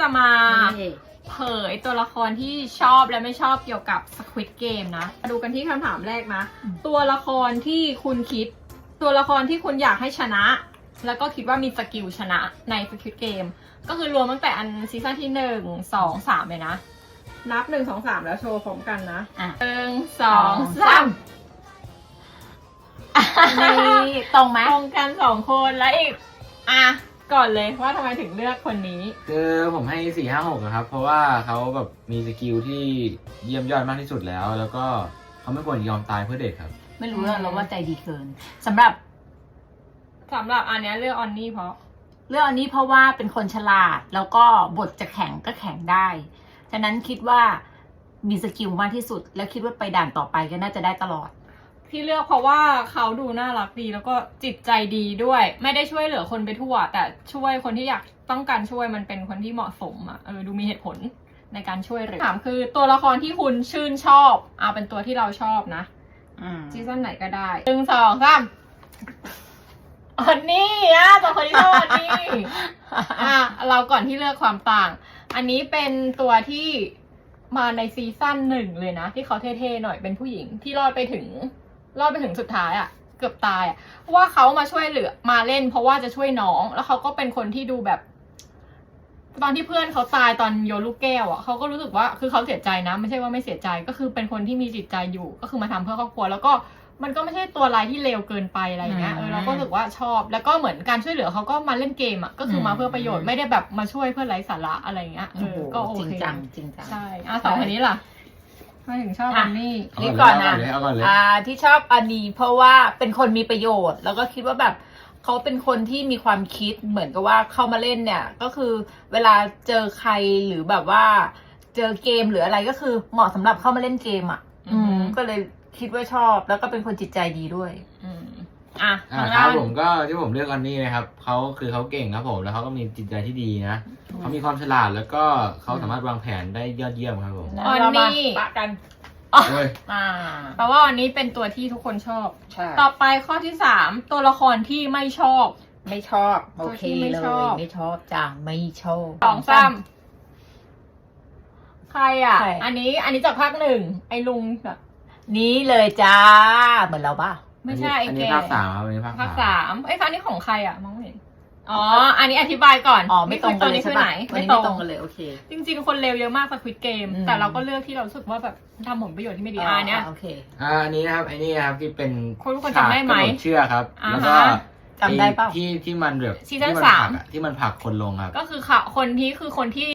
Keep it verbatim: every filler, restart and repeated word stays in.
จะมาเผยตัวละครที่ชอบและไม่ชอบเกี่ยวกับ Squid Game นะมาดูกันที่คำถามแรกนะตัวละครที่คุณคิดตัวละครที่คุณอยากให้ชนะแล้วก็คิดว่ามีสกิลชนะใน Squid Game ก็คือรวมตั้งแต่อันซีซั่นที่หนึ่ง สอง สามเลยนะนับหนึ่ง สอง สามแล้วโชว์พร้อมกันนะหนึ่ง สอง สามนี่ตรงไหมตรงกันสองคนแล้วอีกอ่ะก่อนเลยว่าทำไมถึงเลือกคนนี้คือผมให้สี่ห้าหกนะครับเพราะว่าเขาแบบมีสกิลที่เยี่ยมยอดมากที่สุดแล้วแล้วก็เขาไม่ควรยอมตายเพื่อเด็กครับไม่รู้เราว่าใจดีเกินสำหรับสำหรับอันนี้เลือกออนนี่เพราะเลือกอันนี้เพราะว่าเป็นคนฉลาดแล้วก็บทจะแข็งก็แข็งได้ฉะนั้นคิดว่ามีสกิลมากที่สุดแล้วคิดว่าไปด่านต่อไปก็น่าจะได้ตลอดที่เลือกเพราะว่าเขาดูน่ารักดีแล้วก็จิตใจดีด้วยไม่ได้ช่วยเหลือคนไปทั่วแต่ช่วยคนที่อยากต้องการช่วยมันเป็นคนที่เหมาะสมอ่ะเออดูมีเหตุผลในการช่วยเหลือถามคือตัวละครที่คุณชื่นชอบเอาเป็นตัวที่เราชอบนะซีซั่นไหนก็ได้หนึ่งสองสามอันนี้อ่ะตัวคนที่ชอบอันนี้อ่ะเราก่อนที่เลือกความต่างอันนี้เป็นตัวที่มาในซีซั่นหนึ่งเลยนะที่เขาเท่ๆหน่อยเป็นผู้หญิงที่รอดไปถึงรอดไปถึงสุดท้ายอ่ะเกือบตายอ่ะว่าเขามาช่วยเหลือมาเล่นเพราะว่าจะช่วยน้องแล้วเขาก็เป็นคนที่ดูแบบตอนที่เพื่อนเขาตายตอนโยนลูกแก้วอ่ะเขาก็รู้สึกว่าคือเขาเสียใจนะไม่ใช่ว่าไม่เสียใจก็คือเป็นคนที่มีจิตใจอยู่ก็คือมาทำเพื่อครอบครัวแล้วก็มันก็ไม่ใช่ตัวร้ายที่เลวเกินไปอะไรเงี้ยเออเราก็รู้สึกว่าชอบแล้วก็เหมือนการช่วยเหลือเขาก็มาเล่นเกมอ่ะก็คือมาเพื่อประโยชน์ไม่ได้แบบมาช่วยเพื่อไร้สาระอะไรเงี้ยเออก็โอเคจริงจังจริงจังใช่อ่ะสองคนนี้ล่ะมาถึงชอบอันนี้นี่ก่อนนะอ่าที่ชอบอันนี้เพราะว่าเป็นคนมีประโยชน์แล้วก็คิดว่าแบบเขาเป็นคนที่มีความคิดเหมือนกับว่าเข้ามาเล่นเนี่ยก็คือเวลาเจอใครหรือแบบว่าเจอเกมหรืออะไรก็คือเหมาะสำหรับเข้ามาเล่นเกมอ่ะอืมก็เลยคิดว่าชอบแล้วก็เป็นคนจิตใจดีด้วยอืมอ่ะครับผมก็ที่ผมเลือกอันนี้นะครับเขาคือเขาเก่งครับผมแล้วเขาก็มีจิตใจที่ดีนะเขามีความฉลาดแล้วก็เขาสามารถวางแผนได้ยอดเยี่ยมครับผมอันนี้ปะกันอ่าแปลว่าอันนี้เป็นตัวที่ทุกคนชอบต่อไปข้อที่สามตัวละครที่ไม่ชอบไม่ชอบโอเคเลยไม่ชอบจังไม่ชอบสองสามใครอ่ะอันนี้อันนี้จากภาคหนึ่งไอ้ลุงแบบนี้เลยจ้าเหมือนเราป่ะไม่ใช่ไอ้แกอันนี้ภาคสามอันนี้ภาคสามไอ้ฟ้านี่ของใครอ่ะมองไม่เห็นอ๋ออันนี้อธิบายก่อนอ๋อไม่ตรงกันเลยใช่ไหมไม่ตรงกันเลยโอเคจริงๆคนเลวเยอะมากสควิดเกมแต่เราก็เลือกที่เรารู้สึกว่าแบบทำผลประโยชน์ที่ไม่ดีอ่าเนี่ยโอเคอ่าอันนี้นะครับไอ้นี่ครับที่เป็นคนทุกคนจำได้ไหมเชื่อครับแล้วก็จำได้ป่ะที่ที่มันแบบซีซั่นสามที่มันผลักคนลงครับก็คือค่ะคนที่คือคนที่